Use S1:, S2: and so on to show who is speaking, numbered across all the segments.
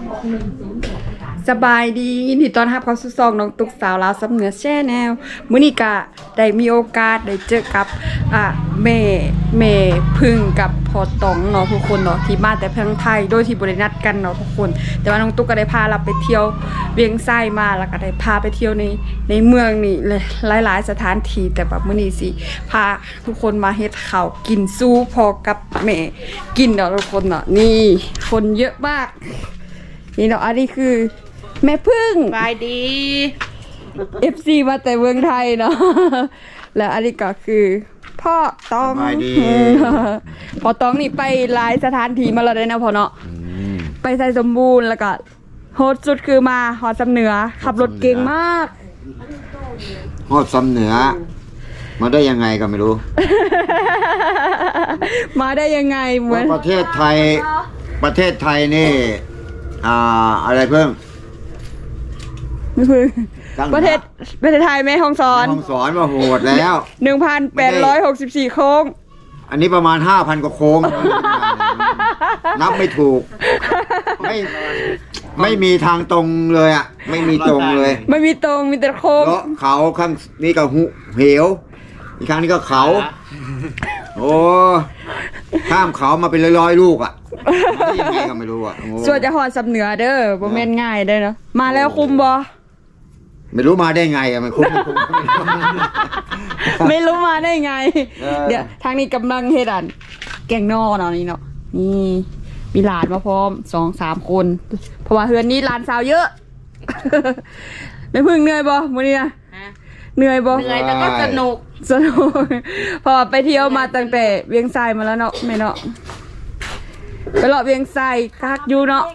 S1: สบายดียินดีต้อนรับเข้าสู่ช่องน้องตุ๊กสาวลาวสำเหนือแชนแนลมื้อนี้ก็ได้มีโอกาสได้เจอกับแม่พึ่งกับพ่อตองเนาะทุกคนเนาะที่มาแต่เพียงไทยโดยที่บ่ได้นัดกันเนาะทุกคนแต่ว่าน้องตุ๊กก็ได้พาเราไปเที่ยวเวียงไส้มาแล้วก็ได้พาไปเที่ยวในเมืองนี่เลยหลายๆสถานที่แต่แบบมื้อนี้สิพาทุกคนมาเฮ็ดข้าวกินสู้พอกับแม่กินเนาะทุกคนเนาะนี่คนเยอะมากนี่เนาะอันนี้คือแม่พึ่ง
S2: บายดี
S1: FC มาแต่เมืองไทยเนาะ แล้วอันนี้ก็คือพ่อตอง
S3: สบายดี
S1: พ่อตองนี่ไปหลายสถานที่มาแล้วได้นะพ่อเนาะไปไทยสมบูรณ์แล้วก็โฮสต์สุดคือมาหอดสำเหนือขับรถเก่งมาก
S3: โหดซ้ำเหนือ มาได้ยังไงก็ไม่รู้
S1: มาได้ยังไงเหมือน
S3: ประเทศไทยนี่อะไรเพิ่ม
S1: ไม่พึ่ง
S3: ตั้ง
S1: ประเทศไทยแม่ฮ่องสอน
S3: ห้องสอนมาโหดแล้ว
S1: 1,864 โค้ง
S3: อันนี้ประมาณ 5,000 กว่าโค้ง นับไม่ถูก ไม่มีทางตรงเลยอ่ะ ไม่มีตรงเลย
S1: ไม่มีตรงมีแต่โค้ง
S3: เลาะเขาข้างนี้ก็เหวอีกครั้งนี้ก็เขา โอ้ข้ามเขามาเป็นร้อยๆลูกอ่ะมาได้ยังไงก็ไม่รู้อ่ะโอ้
S1: ส่วนจะหอดสำเหนือเด้อบ่แม่นง่ายเด้อเนาะมาแล้วคุมบ่
S3: ไม่รู้มาได้ไงอะมันคุ้มไม่คุ้ม
S1: ไม่รู้มาได้ไง
S3: เดี๋
S1: เดี๋ย
S3: ยว ว
S1: ทางนี้กำลังเฮ็ดอันแกงนอเนาะนี่เนาะนี่มีหลานมาพร้อม 2-3 คน เพราะว่าเฮือนนี้หลานสาวเยอะ ไม่พึ่งเหนื่อยบ่มื้อนี้นะเหนื่อยบ่
S2: เหนื่อยแต่ก็สนุก
S1: สนุกเพอไปเที่ยวมาตั้งแต่เวียงไซมาแล้วเนาะแม่เนาะไปเลาะเวียงไซคักอยู่เนาะ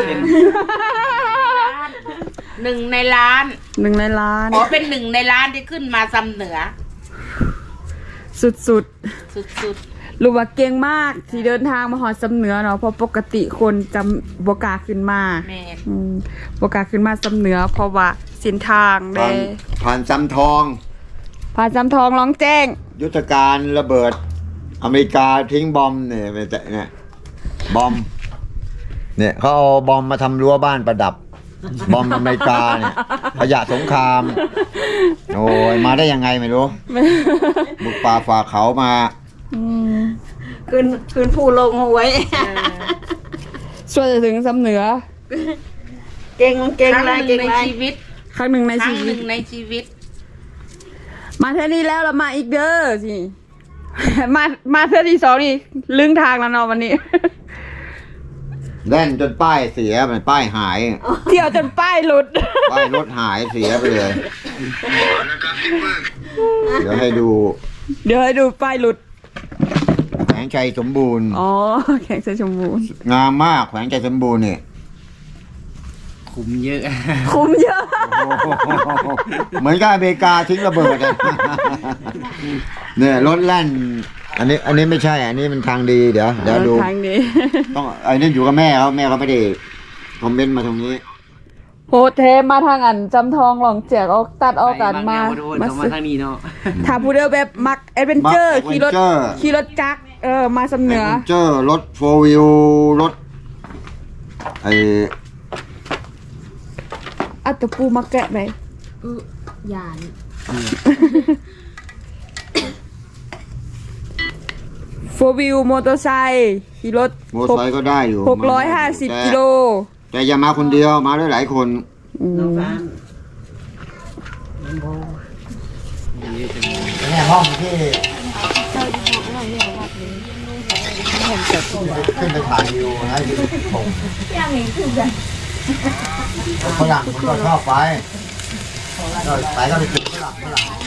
S2: หนึ่งในล้าน
S1: 1 ในล้าน
S2: ขอเป็น1 ในล้านที่ขึ้นมาซ้ำเหนือ
S1: สุด
S2: สุด
S1: ๆรู้ว่าเก่งมากที่เดินทางมาหอดสำเหนือเนาะเพราะปกติคนจำบกล้าขึ้นมา
S2: ๆแม่
S1: บกล้าขึ้นมาสำเหนือ เพราะว่าเส้นทางเด้
S3: ผ่านซ้ำทอง
S1: ผ่านจำทองร้องแจ้ง
S3: ยุทธการระเบิด อเมริกาทิ้งบอมเนี่ยบอมเนี่ยเขาเอาบอมมาทำรั้วบ้านประดับ บอมอเมริกาเนี่ยขยะสงคราม โอ้ยมาได้ยังไงไม่รู้ บุกป่าฝ่าเขามา
S2: ขึ้นผู้ลงเอาไว้
S1: ช่วยจะถึงสำเหนือ
S2: เก่งอะไรเก่งในชีวิต
S1: ครั้งหนึ่งใน
S2: ครั้
S1: ชี
S2: งห
S1: วิ
S2: นึ่
S1: ต
S2: งในชีวิต
S1: มาเท่านี้แล้วเรามาอีกเด้อสิ มาเท่าที่2นี่ลึงทางแล้วเนาะวันนี้
S3: แล่นจนป้ายเสียมันป้ายหาย
S1: เที่ยวจนป้ายหลุด
S3: ป้ายรถหายเสียไปเลย เดี๋ยวให้ดู
S1: เดี๋ยวให้ดูป้ายหลุด
S3: แขวงชัยสมบูรณ์
S1: อ๋อ แข่งใส่ชมพู
S3: งามมากแขวงชัยสมบูรณ์เนี่ย
S4: คุ้มเยอะ
S1: คุ้มเยอะ
S3: โอ้โหเหมือนกับอเมริกาทิ้งระเบิดอะเนี่ยรถแล่น อันนี้ไม่ใช่ อันนี้มันทางดีเดี๋ยวดู
S1: ทางนี้
S3: ต้องไอ้นี่อยู่กับแม่เขาไม่ได้คอมเมนต์มาตรงนี้
S1: โหเทมาทางอันจำทองหลองแจกออกตัดออกกันมา
S4: มา
S1: ซื้อ
S4: ทางนี้เนาะ
S1: ถ้าผู้เดียวแบบมักแอดเวนเจอร์
S3: มัก adventure
S1: ขี่รถจักรมาสำเหนือ
S3: เจอรถโฟร์วิวรถไอ้
S1: อัตตปูมาแกะไหม
S2: หยาน
S1: โฟวิวมอเตอร์ไซค์ขี่รถ
S3: มอเตอร์ไซค์ก็ได้อยู่
S1: 650 กิโล
S3: แต่อย่ามาคนเดียวมาด้วยหลายคน เนี่ยห้องที่ขึ้นไปถ่ายวิวนะที่ผมฝรั่งผมก็ชอบไปก็ไปติดฝรั่ง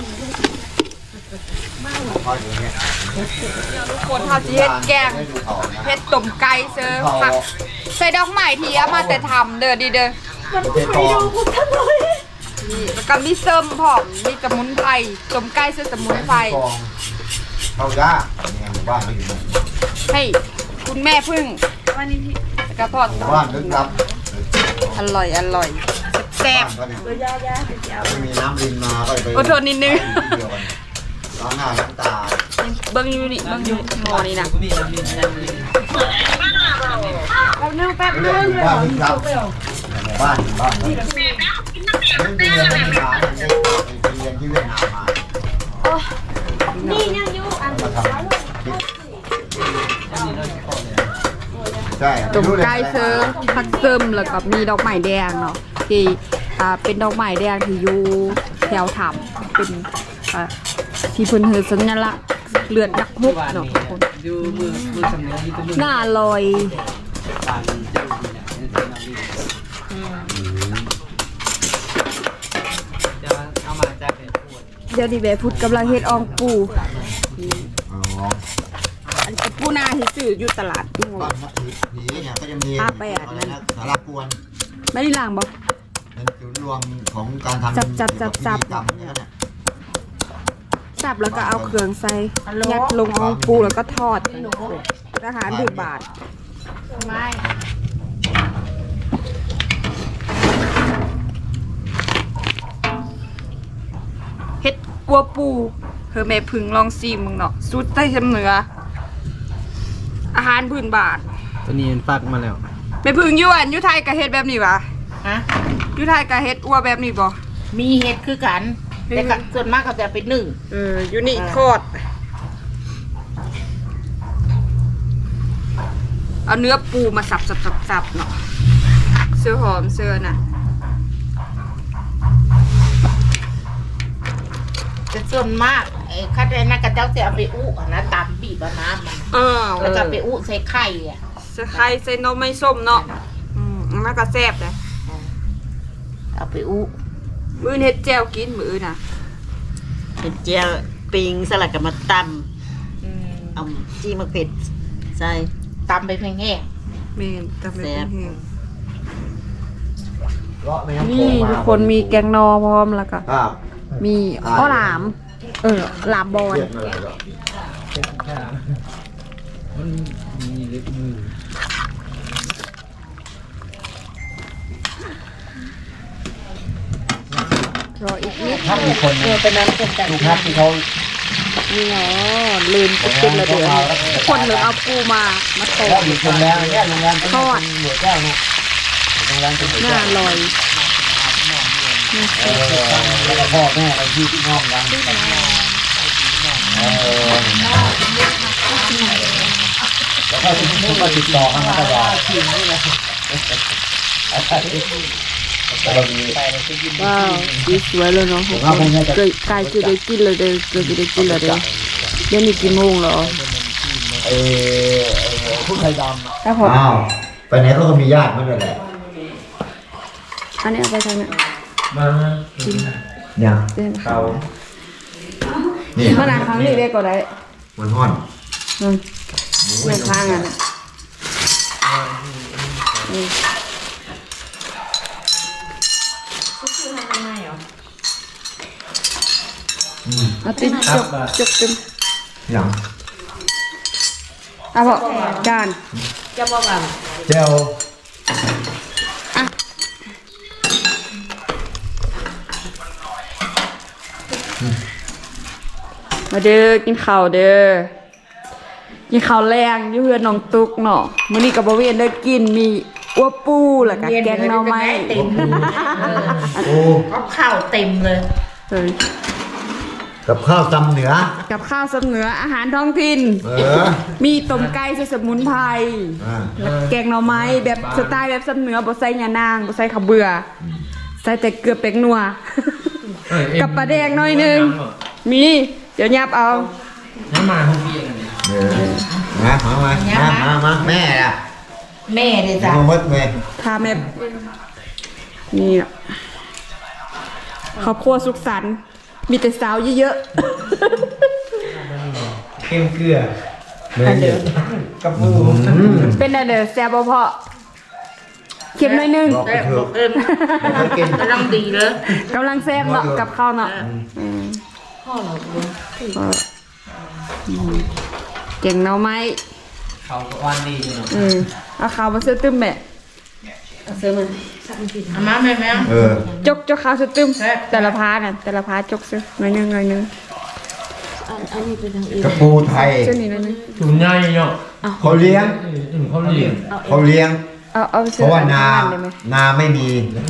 S3: คอยอยู่เนี่ย
S1: คนทำจีเฮ็ดแกงเฮ็ดต้มไก่เซิร์ฟผักใส่ดอกไม้ที่เอามาแต่ทำเด้อดีเด้อ
S3: ประเทศทอง
S1: นี่แล้วก็มีเซิมพร้อมมีสมุนไพรต้มไก่เซิร์ฟสมุนไพร
S3: เข้ายากเนี่ยหมู่บ้านไม่อยู่
S1: ให้คุณแม่พึ่งวันนี้พี่กระทอด
S3: หมู่บ้านลึกลับ
S1: อร่อยแซ่บ
S3: บ้านก็ไม่มีน้ำรินมาก็เลยไป
S1: อดทนนิดนึง
S3: ล้างหน้าล้างตา
S1: เบิ้งอยู่นี่เบิ้งอยู่หม้อนี่นะ
S4: นี่
S2: แป๊บนึงแป๊บนึง
S3: บ้านนี่ครับบ้านนี่เรียนภาษาเรียนที่เวียดนามมา
S2: นี่ยังอยู่อัน
S3: มาทำใช่
S1: ตุ่มไก่เซิร์ผักเซิมแล้วก็มีดอกไม้แดงเนาะที่เป็นดอกไม้แดงที่อยู่แถวถ้ำเป็นที่เพิ่นเฮือสัญลักษณ์เลือดนักฮุกเนาะทุกคน
S4: ดูมือสำเนียงที่ตัวมือ
S1: หน้าลอย
S4: ปากมันจะดูเนี่ยจะเอามาจากไหนพูด
S1: เดี๋ยวดิแม่พุดกำลังเฮ็ดอองปู
S3: อ๋อ
S1: อันนี้ปูนาที่ซื้ออยู่ตลาดนี่
S3: บ้านนักผีเนี่ยก็จะมี
S1: อาแปด
S3: อะไร
S1: นั่
S3: นะ
S1: น
S3: สารกวน
S1: ไม่ได้ล้างบ่
S3: เป็นจุดรวมของการทำ
S1: จับ
S3: พิธีกรรมเนี่ยนะ
S1: สับแล้วก็เอาเครื่องใส่ยัดลงอองปูแล้วก็ทอดอาหารถึงบาท
S2: ไม่
S1: เฮ็ดกัวปูเธอแม่พึ่งลองซีมึงเนาะสุดใต้เข็มเหนือ อาหารพื้นบ้าน
S4: ตัวนี้มันฟักมาแล้ว
S1: แม่พึ่งอยู่อันอยู่ไทยก็เฮ็ดแบบนี้วะ
S2: ฮะ
S1: อยู่ไทยก็เฮ็ดอัวแบบนี้บ่
S2: มีเห็ดคือกันแต่ก็ส่วนมากเขาจะไปนึ่ง
S1: อยู่นี่ทอดเอาเนื้อปูมาสับเนาะเสื้อหอมเสื้อน่ะ
S2: แต่ส่วนมากไอ้คัดไอ้นักกระเจ้าจะเอาไปอุนะตำบีบเอาน้ำมัน แล้วก็ไปอุใส่ไข่อ่ะ
S1: ใส่ไข่ใส่นมไม่ส้มเนาะมันก็แซ่บเลย
S2: เอาไปอุ
S1: มื้อนี้เฮ็ดแจ่วกินมื้อน่ะ
S5: เห็ดเจียวปิงสลัดกับมาตำเอาจี้มะเผ็ดใส่
S2: ตำไปแห้ง
S1: แม่นตำเป็น
S5: แซ่บ
S1: แห้ง
S3: เลาะแม่ำโข
S1: นี่
S3: งมา
S1: ทุกคนมีแกงนอพร้อมแล้วก็
S3: ครับ
S1: มีข้าวหลาม หลามบอล
S3: เรียกมาเลยเหรอ
S4: มันมีเล็บมือ
S1: รออีกนิด
S3: ถ้ามีคน
S2: ๆเป็นน้ำเป็นกัน
S3: ดูครับที่เขา
S1: นี่เนาะลืมกินแล้วเดี๋ยวคนเหลือเอาปูมาโต
S3: แล้วอยู่โรงแรมเนี่ยโรงแรมเป็น
S1: ทอด
S3: หน่วยแก้วนะโรงแรมเป็นหน่วย
S1: ห
S3: แก้
S1: น้าว ลอย
S3: แล้วก็พ่อแม่ไปที่น้องกันแล้วก็ก็ติดต่อกันมาตลอดแล้วก็มี
S1: ว้าวสีสวยเลยเนาะเคยกายจะได้กินเลยเด้อเคยจะได้กินเลยเด้อเดี๋ยวนี้กี่โมงแล้ว
S3: ผู้ไทยดำ
S1: แล้วพอ
S3: อ้าวไปไหนเขาก็มีญาติมาด้วยแหละ
S1: อันนี้เอาไปทางไหน
S4: มา
S3: เนี่ย
S1: เดี๋ยว
S4: เขา
S3: นี่
S1: มาหนาครั้งนี้ได้ก็ได้
S3: มันห่อน
S1: เมื่อข้างอ่ะนะเอาติดจกตึม
S3: อย่าง
S1: เอาพอจาน
S2: จะบอกว่า
S3: เจล
S1: มาเด้อกินข้าวเด้อกินข้าวแรงอยู่เพื่อนน้องตุ๊กเนาะมื้อนี้ก็บ่เวียนได้กินมีอัวปูแล้วก็แกงหน่อไม้
S2: เต็ม
S3: โอ้
S2: ก็ข้าวเต็มเลย
S1: เฮ้ย
S3: กับข้าวตำเหนือ
S1: กับข้าวสำเหนืออาหารท้องถิ่น มีต้มไก่ใส่สมุนไพร แล้วแกงหน่อไม้แบบสไตล์แบบสำเหนือบ่ใส่ยานางบ่ใส่ข้าวเบื่อใส่แต่เกลือแป้งนัว กับปลาแดงหน่อยหนึงมีเดี๋ยวยับเอา
S4: น้ำมาห้องพี่กันเนี่ย
S3: มาแม่ล่ะ
S2: แม่เลยจ้ะ
S3: มามืดไง
S1: พาแม่นี่อะครอบครัวสุขสันต์มีแต่สาวเยอะ
S4: เข้มเกลือ
S1: ๆเดี๋ยว
S4: กับปู
S1: เป็นอะไรเด้อแซ่บบ่พอเค็มหน่อยหนึง
S3: บอกไปเถอะ
S2: เอิม
S3: ไม่เคยกิน
S2: กำลังดีเลย
S1: กำลังแซ่บเนาะกับข้าวเนาะเก่งเนาะไหม
S4: เขาวันดีจังเนาะ
S1: เอาข้าวมาซื้อตึ้มแม่เอาซื้อมา
S2: เอามาแม่แม่
S1: จกข้าวซื้อตึ้มแต่ละพาน่ะแต่ละพาจกซื้อหน่อยหนึง
S2: อันนี้เป็นทางอื่น
S3: กระปูไทย
S1: เจ้านี่นั่นนึง
S4: ถุงง่ายเนาะ
S3: เขาเลี้ยง
S4: เขาเลี้ยง
S3: เขาเลี้ยง
S1: เอา
S3: เพ
S1: เสื้อ
S3: ราะว่านา
S1: ได้ไหม
S3: นาไม่มี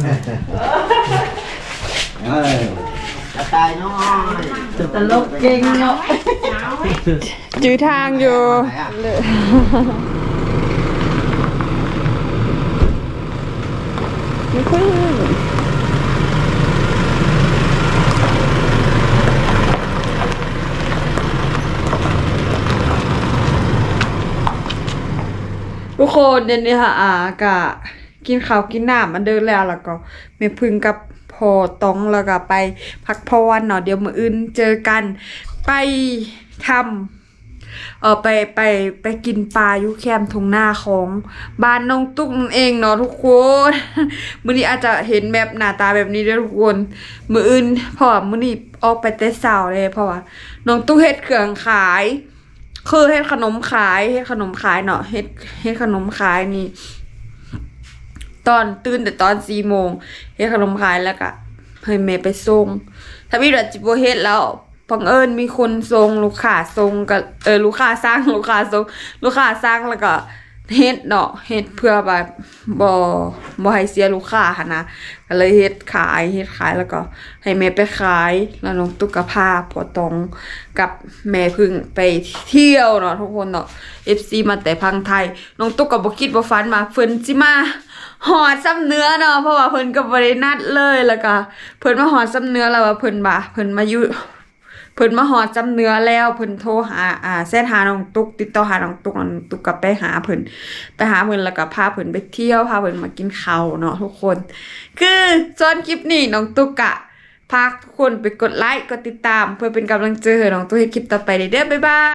S3: เออ
S5: จะตายน้อยตลกเก่งเนาะ
S1: จื้อทางอยู่เลยไม่ค่อยทุกคนเดี๋ยวนี้ค่ะกะกินข้าวกินน้ำมันเดินแล้วก็แม่พึ่งกับพอต้องแล้วก็ไปพักผ่อนเนาะเดี๋ยวมื้ออื่นเจอกันไปทำไปกินปลาอยู่แคมป์ทุ่งนาของบ้านน้องตุ๊กนั่นเองเนาะทุกคน มื้อนี้อาจจะเห็นแบบหน้าตาแบบนี้เด้อทุกคนมื้ออื่นเพราะว่ามื้อนี้ออกไปแต่เช้าเลยเพราะว่าน้องตุ๊กเฮ็ดเครื่องขายคือเฮ็ดขนมขายเนาะเฮ็ดขนมขายนี่ ตอนตื่นแต่ตอน4 โมงเฮ็ดขนมขายแล้วก็ให้แม่ไปส่งถ้ามีรถจิบ่เฮ็ดแล้วบังเอิญมีคนส่งลูกค้าส่งก็ลูกค้าสั่งลูกค้าส่งลูกค้าสั่งแล้วก็เฮ็ดเนาะเฮ็ดเพื่อแบบบ่ให้เสียลูกค้าหั่นนะก็เลยเฮ็ดขายแล้วก็ให้แม่ไปขายแล้วน้องตุ๊กก็พาพ่อตองกับแม่พึ่งไปเที่ยวเนาะทุกคนเนาะ FC มาแต่พังไทยน้องตุ๊กก็บ่คิดบ่ฝันมาเพิ่นสิมาหอดซ้ำเนื้อเนาะเพราะว่าเพิ่นก็บ่ได้นัดเลยแล้วก็เพิ่นมาหอดซ้ำเนื้อแล้วว่าเพิ่นมาหอดซ้ำเนื้อแล้วเพิ่นโทรหาแซดหาน้องตุ๊กติดต่อหาน้องตุ๊กก็ไปหาเพิ่นแล้วก็พาเพิ่นไปเที่ยวพาเพิ่นมากินข้าวเนาะทุกคนคือส่วนคลิปนี้น้องตุ๊กอะพาทุกคนไปกดไลค์กดติดตามเพื่อเป็นกำลังใจให้น้องตุ๊กเฮ็ดคลิปต่อไปเด้อบ๊ายบาย